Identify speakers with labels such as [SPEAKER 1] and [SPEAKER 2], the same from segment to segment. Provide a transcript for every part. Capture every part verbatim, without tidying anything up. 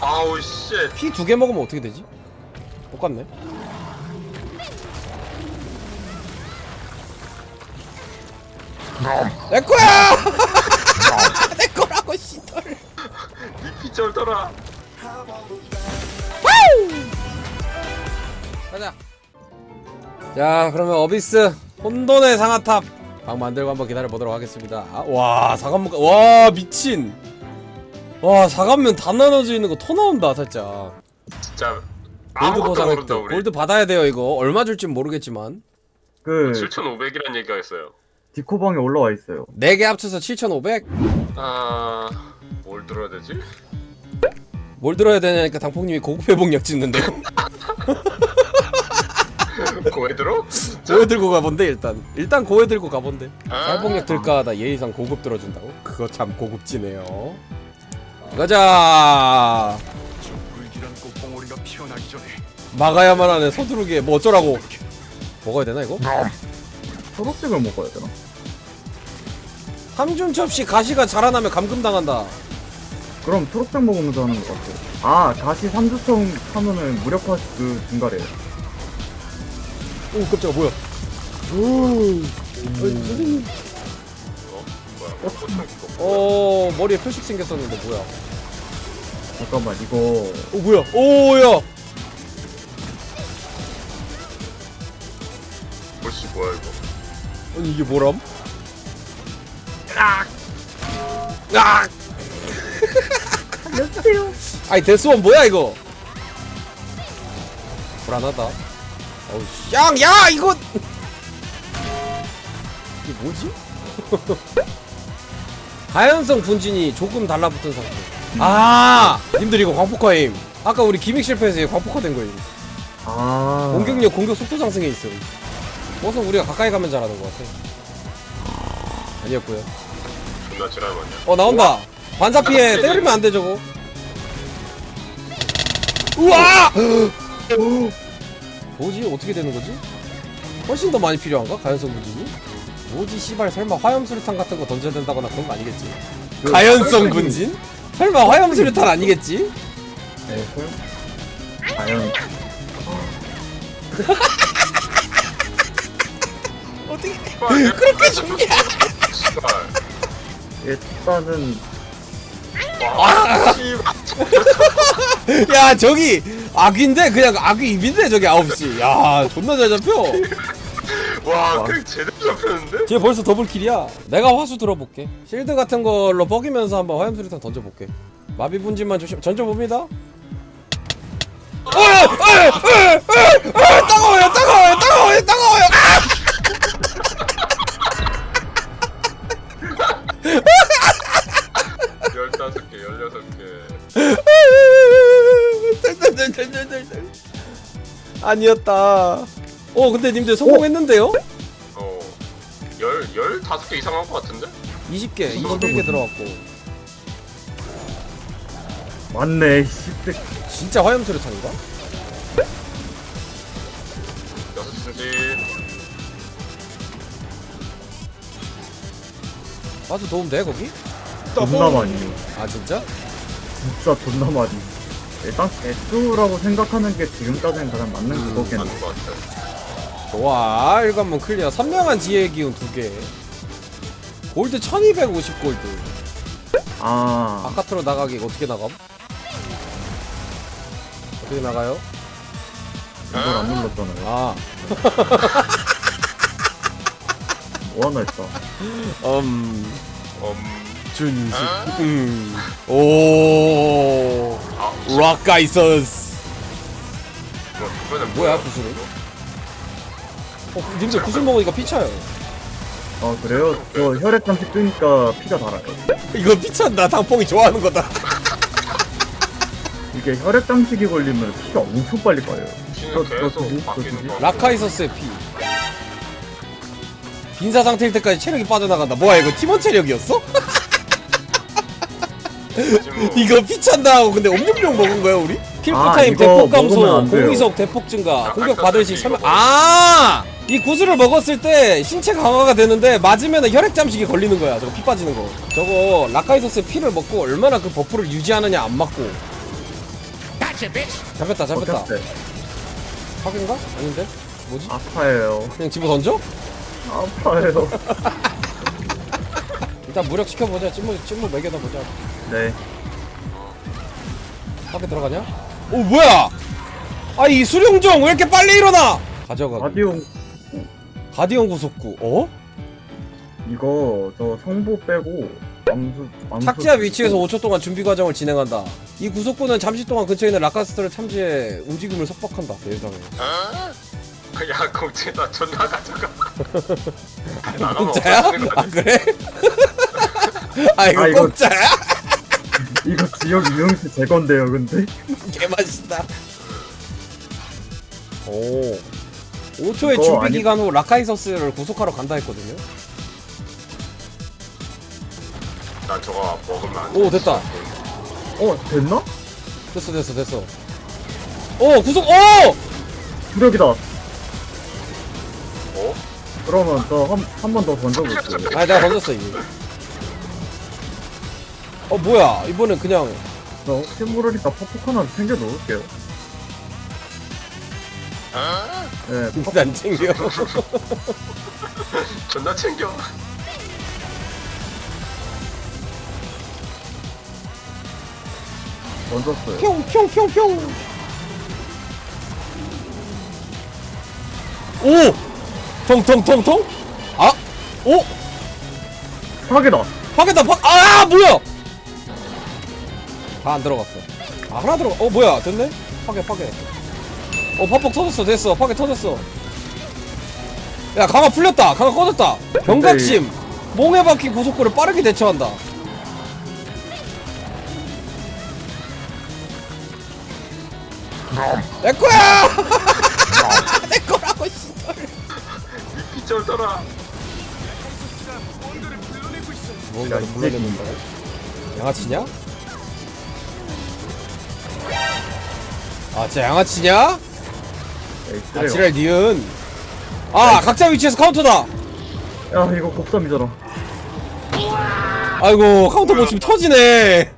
[SPEAKER 1] 아우 씨.
[SPEAKER 2] 피 두 개 먹으면 어떻게 되지? 똑같네. 내 거야! 내 거라고 씨돌.
[SPEAKER 1] 니피 쩔더라.
[SPEAKER 2] 가자. 자, 그러면 어비스 혼돈의 상아탑 방 만들고 한번 기다려 보도록 하겠습니다. 아, 와, 사관문, 와 미친. 와, 사관면 다 나눠져 있는 거 토 나온다 살짝.
[SPEAKER 1] 진짜
[SPEAKER 2] 골드
[SPEAKER 1] 아무것도
[SPEAKER 2] 보상
[SPEAKER 1] 모른다
[SPEAKER 2] 획득.
[SPEAKER 1] 우리.
[SPEAKER 2] 골드 받아야 돼요 이거. 얼마 줄진 모르겠지만.
[SPEAKER 3] 그
[SPEAKER 1] 칠천오백이란 얘기가 있어요.
[SPEAKER 3] 디코방에 올라와 있어요.
[SPEAKER 2] 네 개 합쳐서 칠천오백?
[SPEAKER 1] 아... 뭘 들어야 되지?
[SPEAKER 2] 뭘 들어야 되냐니까 당폭님이 고급 회복력 찍는데요.
[SPEAKER 1] 고에 들어?
[SPEAKER 2] 고해 들고 가본데 일단. 일단 고해 들고 가본데.
[SPEAKER 1] 아.
[SPEAKER 2] 살복력 들까 하다 예의상 고급 들어준다고? 그거 참 고급지네요. 가자.
[SPEAKER 4] 불길한 꽃봉오리가 피어나기 전에
[SPEAKER 2] 막아야만 하네. 서두르게 뭐 어쩌라고. 먹어야 되나 이거?
[SPEAKER 3] 초록색을 먹어야 되나?
[SPEAKER 2] 삼중 접시 가시가 자라나면 감금당한다.
[SPEAKER 3] 그럼 초록색 먹으면서 하는 것 같아. 아, 가시 삼주청 하면은 무력화 그 증가래요.
[SPEAKER 2] 오 깜짝아 뭐야. 오. 선생님.
[SPEAKER 1] 어? 뭐야? 꽃창 이거.
[SPEAKER 2] 어 머리에 표식 생겼었는데 뭐야.
[SPEAKER 3] 잠깐만, 이거
[SPEAKER 2] 오 뭐야. 오야.
[SPEAKER 1] 뭐씨 뭐야 이거?
[SPEAKER 2] 아니 이게 뭐람? 아! 아!
[SPEAKER 3] 살려주세요.
[SPEAKER 2] 아이 데스원 뭐야 이거? 불안하다. 어우 양! 야 이거! 이게 뭐지? 가연성 분진이 조금 달라붙은 상태. 아! 님들 이거 광폭화임. 아까 우리 기믹 실패해서 이거 광폭화된 거임.
[SPEAKER 3] 아,
[SPEAKER 2] 공격력, 공격 속도 상승에 있어. 어서 우리가 가까이 가면 잘하는 것 같아. 아니었고요.
[SPEAKER 1] 존나 지랄만이야.
[SPEAKER 2] 어 나온다. 반사 피해 때리면 안 돼 저거. 우와! 뭐지? 어떻게 되는 거지? 훨씬 더 많이 필요한가? 가연성 분진이? 뭐지 씨발 설마 화염수류탄 같은 거 던져야 된다거나 그런 거 아니겠지? 가연성 분진? 설마 화염수류탄 아니겠지?
[SPEAKER 3] 네, 설. 과연
[SPEAKER 2] 어떻게
[SPEAKER 1] 그렇게 중요해? 씨발.
[SPEAKER 3] 일단은
[SPEAKER 1] 와, 씨발.
[SPEAKER 2] 야 저기 악인데 그냥 악이 입인데 저기 아홉 시. 야 존나 잘 잡혀.
[SPEAKER 1] 와, 그 제대로 잡혔는데?
[SPEAKER 2] 쟤 벌써 더블킬이야. 내가 화수 들어볼게. 실드 같은 걸로 뻐기면서 한번 화염수류탄 던져볼게. 마비 분진만 조심. 던져봅니다. 어이! 어이! 어이! 어이! 어이! 따가워요! 따가워요! 따가워요! 따가워요!
[SPEAKER 1] 열다섯 개, 열여섯 개.
[SPEAKER 2] 덜덜덜덜덜덜. 아니었다. 어 근데 님들 성공했는데요?
[SPEAKER 1] 어. 열, 열다섯 개 이상 한 것 같은데?
[SPEAKER 2] 이십 개, 이십일 개 들어갔고.
[SPEAKER 3] 맞네. 십백.
[SPEAKER 2] 진짜 화염수류탄인가?
[SPEAKER 1] 여섯 승지.
[SPEAKER 2] 아주 도움 돼 거기?
[SPEAKER 3] 존나 많이.
[SPEAKER 2] 아 진짜?
[SPEAKER 3] 진짜 존나 많이. 일단 S라고 생각하는 게 지금까지는 가장 맞는
[SPEAKER 2] 음,
[SPEAKER 3] 그거겠네.
[SPEAKER 1] 맞는 것 같아.
[SPEAKER 2] 좋아 일곱 번 클리어. 선명한 지혜의 기운 두 개. 골드 천이백오십 골드.
[SPEAKER 3] 아,
[SPEAKER 2] 바깥으로 나가기 어떻게 나감? 어떻게 나가요?
[SPEAKER 3] 이걸 안 눌렀잖아요.
[SPEAKER 2] 아
[SPEAKER 3] 뭐 하나 했다.
[SPEAKER 2] 음...
[SPEAKER 1] 음.
[SPEAKER 2] 준식 음... 오...
[SPEAKER 1] 아,
[SPEAKER 2] 락가이서스.
[SPEAKER 1] 뭐, 그거는
[SPEAKER 2] 뭐야 구슬은? 어 님들 구슬 먹으니까 피차요.
[SPEAKER 3] 아, 그래요? 저 혈액 잠시 뜨니까 피가 달아요.
[SPEAKER 2] 이거 피찬다. 당뽕이 좋아하는 거다.
[SPEAKER 3] 이게 혈액 잠식이 걸리면 피가 엄청 빨리 빠요.
[SPEAKER 1] 피는 계속 바뀌는 거.
[SPEAKER 2] 라카이서스의 피. 빈사 상태일 때까지 체력이 빠져나간다. 뭐야 이거 팀원 체력이었어? 이거 피찬다 하고 근데 엄룡룡 먹은 거야 우리? 킬프
[SPEAKER 3] 아,
[SPEAKER 2] 타임
[SPEAKER 3] 이거
[SPEAKER 2] 대폭
[SPEAKER 3] 먹으면
[SPEAKER 2] 감소,
[SPEAKER 3] 안 돼요.
[SPEAKER 2] 공이속 대폭 증가,
[SPEAKER 1] 아,
[SPEAKER 2] 공격
[SPEAKER 1] 아까
[SPEAKER 2] 받을
[SPEAKER 1] 전에
[SPEAKER 2] 시 설명.
[SPEAKER 1] 이거
[SPEAKER 2] 아! 이 구슬을 먹었을 때 신체 강화가 되는데 맞으면 혈액 잠식이 걸리는 거야. 저거 피 빠지는 거. 저거 라카이소스의 피를 먹고 얼마나 그 버프를 유지하느냐 안 맞고. 잡혔다 잡혔다.
[SPEAKER 3] 어땠어요?
[SPEAKER 2] 사기인가? 아닌데? 뭐지?
[SPEAKER 3] 아파요.
[SPEAKER 2] 그냥 집어 던져?
[SPEAKER 3] 아파요.
[SPEAKER 2] 일단 무력 시켜보자. 찐무 찐무 매겨다 보자.
[SPEAKER 3] 네.
[SPEAKER 2] 밖에 들어가냐? 오 뭐야? 아 이 수룡종 왜 이렇게 빨리 일어나? 가져가.
[SPEAKER 3] 가디온
[SPEAKER 2] 가디언 구속구. 어?
[SPEAKER 3] 이거 저 성보 빼고 암수 암수
[SPEAKER 2] 탁지하 위치에서 오 초 동안 준비 과정을 진행한다. 이 구속구는 잠시 동안 근처에 있는 라카스터를 탐지해 움직임을 속박한다. 세상에.
[SPEAKER 1] 야 공채 나 존나 가져가. 나가면
[SPEAKER 2] 공짜야?
[SPEAKER 1] 없어지는 거
[SPEAKER 2] 아
[SPEAKER 1] 아니야?
[SPEAKER 2] 그래? 아 이거
[SPEAKER 3] 아, 이거-
[SPEAKER 2] 공짜야?
[SPEAKER 3] 이거 지역 유형수 제건데요, 근데.
[SPEAKER 2] 개맛있다. 오. 오 초의
[SPEAKER 3] 이거
[SPEAKER 2] 준비
[SPEAKER 3] 아니-
[SPEAKER 2] 기간 후 라카이서스를 구속하러 간다 했거든요.
[SPEAKER 1] 난 저거 먹으면 안 돼.
[SPEAKER 2] 오 됐다.
[SPEAKER 3] 어, 됐나?
[SPEAKER 2] 됐어 됐어 됐어. 오 구속. 오!
[SPEAKER 3] 무력이다.
[SPEAKER 1] 어?
[SPEAKER 3] 그러면 저 한 한 번 더 던져볼게요.
[SPEAKER 2] 아 내가 던졌어 이미. 어 뭐야 이번엔 그냥
[SPEAKER 3] 저 혹시 모르니까 퍼폭 하나 챙겨 놓을게요. 네, 퍼-
[SPEAKER 2] 안 챙겨.
[SPEAKER 1] 존나 챙겨.
[SPEAKER 3] 던졌어요.
[SPEAKER 2] 평평평평. 오! 통통통통? 아! 오!
[SPEAKER 3] 파괴다.
[SPEAKER 2] 파괴다 파. 아 뭐야? 다 안 들어갔어. 아 하나 들어. 어 뭐야? 됐네? 파괴 파괴. 어 팝폭 터졌어. 됐어. 파괴 터졌어. 야 강화 풀렸다. 강화 꺼졌다. 병각심. 몽에 박힌 고속구를 빠르게 대처한다. 내 거야. 내 거라고 씨.
[SPEAKER 1] 미끼 쩔더라.
[SPEAKER 2] 뭔가를
[SPEAKER 3] 야, 이
[SPEAKER 2] 물어내는다. 양아치냐? 아 진짜 양아치냐?
[SPEAKER 3] 에이,
[SPEAKER 2] 아
[SPEAKER 3] 그래요.
[SPEAKER 2] 지랄 니은. 아 각자 위치에서 카운터다.
[SPEAKER 3] 야, 이거 곱삼이잖아.
[SPEAKER 2] 아이고 카운터 못 치면 터지네.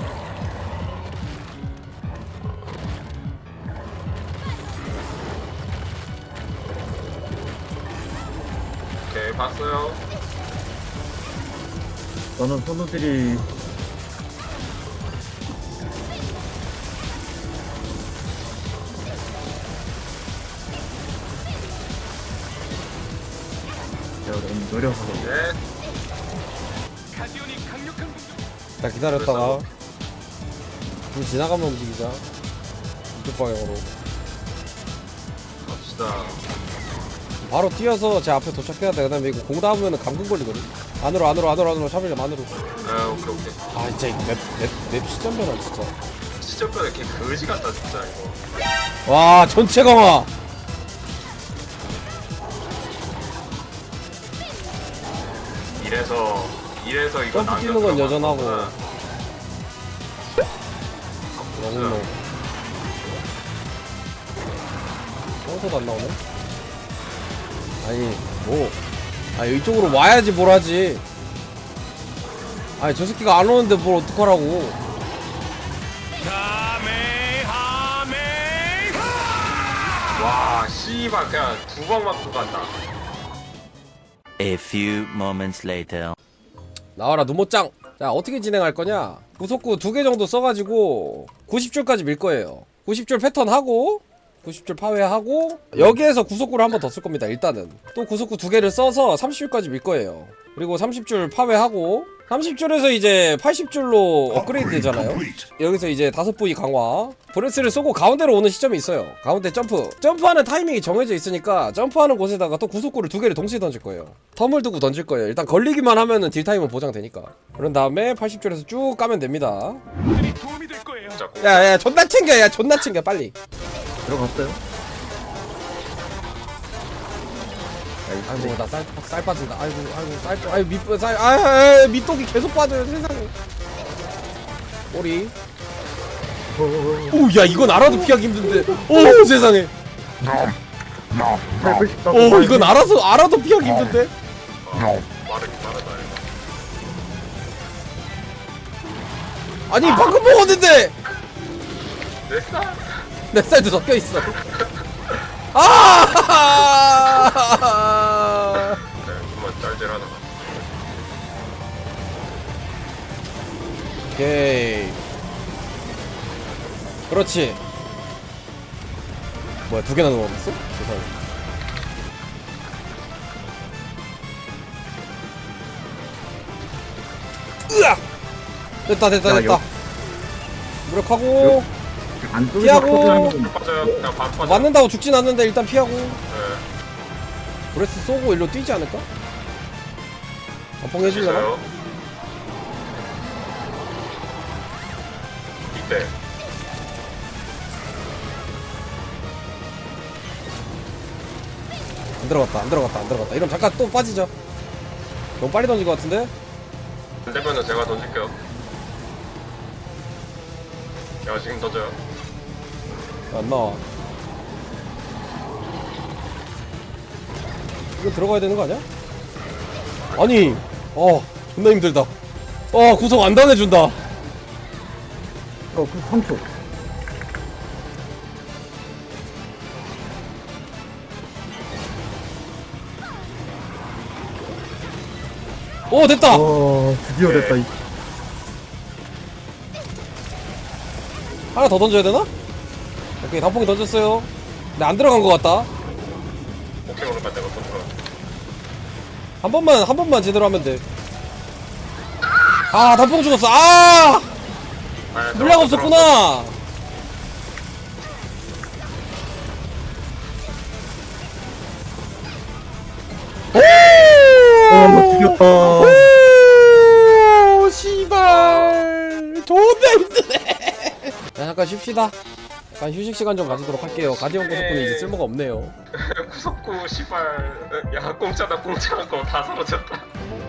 [SPEAKER 1] 오케이 봤어요.
[SPEAKER 3] 저는 선우들이 내가 너무 느려서
[SPEAKER 1] 네.
[SPEAKER 2] 자 기다렸다가 좀 지나가면 움직이자. 이쪽 방향으로
[SPEAKER 1] 갑시다.
[SPEAKER 2] 바로 뛰어서 제 앞에 도착해야 돼. 그다음에 이거 공 닿으면 감금 걸리거든. 안으로 안으로 안으로 안으로 샤벨렘 안으로.
[SPEAKER 1] 아 오케이 오케이.
[SPEAKER 2] 아 진짜 이거 맵맵맵 시점 변화 진짜.
[SPEAKER 1] 시점변에 이렇게 거지 같다 진짜 이거.
[SPEAKER 2] 와 전체 강화.
[SPEAKER 1] 이래서 이래서 이거
[SPEAKER 2] 점프 뛰는 건 여전하고.
[SPEAKER 1] 너무
[SPEAKER 2] 너무 평소도 안 나오네. 아니 뭐 아니 이쪽으로 와야지 뭘 하지. 아니 저 새끼가 안 오는데 뭘 어떡하라고.
[SPEAKER 1] 와 씨발 그냥 두 방 맞고 간다.
[SPEAKER 5] A few moments later.
[SPEAKER 2] 나와라 누모짱. 자 어떻게 진행할 거냐. 구속구 두 개 정도 써가지고 구십 줄까지 밀 거예요. 구십 줄 패턴 하고 구십 줄 파괴하고 여기에서 구속구를 한 번 더 쓸 겁니다. 일단은 또 구속구 두 개를 써서 삼십 줄까지 밀 거예요. 그리고 삼십 줄 파괴하고 삼십 줄에서 이제 팔십 줄로 업그레이드 되잖아요. 여기서 이제 다섯 부위 강화 브레스를 쏘고 가운데로 오는 시점이 있어요. 가운데 점프 점프하는 타이밍이 정해져 있으니까 점프하는 곳에다가 또 구속구를 두 개를 동시에 던질 거예요. 텀을 두고 던질 거예요. 일단 걸리기만 하면은 딜타임은 보장되니까. 그런 다음에 팔십 줄에서 쭉 까면 됩니다.
[SPEAKER 1] 진짜 꼭.
[SPEAKER 2] 야야 존나 챙겨. 야 존나 챙겨 빨리.
[SPEAKER 3] 들어갔어요?
[SPEAKER 2] 아이고 나 쌀 쌀 빠진다. 아이고 아이고 쌀 아이고 밑쌀 아 밑독이 계속 빠져요 세상에. 꼬리. 오 야 이건 알아도 피하기 힘든데. 오 세상에.
[SPEAKER 3] 살고 싶다고
[SPEAKER 2] 오
[SPEAKER 3] 말해.
[SPEAKER 2] 이건 알아서 알아도 피하기 힘든데.
[SPEAKER 1] 빠르게 빠르다 이거.
[SPEAKER 2] 아니 방금 먹었는데.
[SPEAKER 1] 내 쌀.
[SPEAKER 2] 내 쌀도 섞여 있어. 아!
[SPEAKER 1] 네, 그만 짤짤하다.
[SPEAKER 2] 오케이. 그렇지. 뭐야, 두 개나 넣어놨어? 세상에. 으악! 됐다, 됐다,
[SPEAKER 3] 야,
[SPEAKER 2] 됐다.
[SPEAKER 3] 여-
[SPEAKER 2] 무력하고.
[SPEAKER 3] 안쪽에서
[SPEAKER 2] 피하고.
[SPEAKER 3] 터지는
[SPEAKER 1] 빠져요. 그냥 반 빠져.
[SPEAKER 2] 맞는다고 죽진 않는데 일단 피하고.
[SPEAKER 1] 네.
[SPEAKER 2] 브레스 쏘고 일로 뛰지 않을까? 안뽕 해줄려나?
[SPEAKER 1] 있어요. 이때.
[SPEAKER 2] 안 들어갔다, 안 들어갔다, 안 들어갔다. 이러면 잠깐 또 빠지죠. 너무 빨리 던진 것 같은데?
[SPEAKER 1] 안 되면은 제가 던질게요. 야, 지금 던져요.
[SPEAKER 2] 안 나와. 이거 들어가야 되는 거 아니야? 아니, 어, 존나 힘들다. 어, 구속 안 당해준다.
[SPEAKER 3] 어, 그 삼 초.
[SPEAKER 2] 오, 됐다!
[SPEAKER 3] 와, 드디어 됐다. 이
[SPEAKER 2] 하나 더 던져야 되나? 오케이, 단풍이 던졌어요. 근데 안 들어간 것 같다.
[SPEAKER 1] 오케이, 오늘 갈 때가 컨트롤.
[SPEAKER 2] 한 번만, 한 번만 제대로 하면 돼. 아, 단풍 죽었어. 아!
[SPEAKER 1] 아,
[SPEAKER 2] 물량 없었구나!
[SPEAKER 3] 어, 죽였다.
[SPEAKER 2] 오, 씨발. 존나 힘드네. 자, 잠깐 쉽시다. 잠깐 휴식 시간 좀 가지도록 할게요. 가디언 고속군은 이제 쓸모가 없네요.
[SPEAKER 1] 구석구, 씨발. 야, 공짜다, 공짜한 거 다 사라졌다.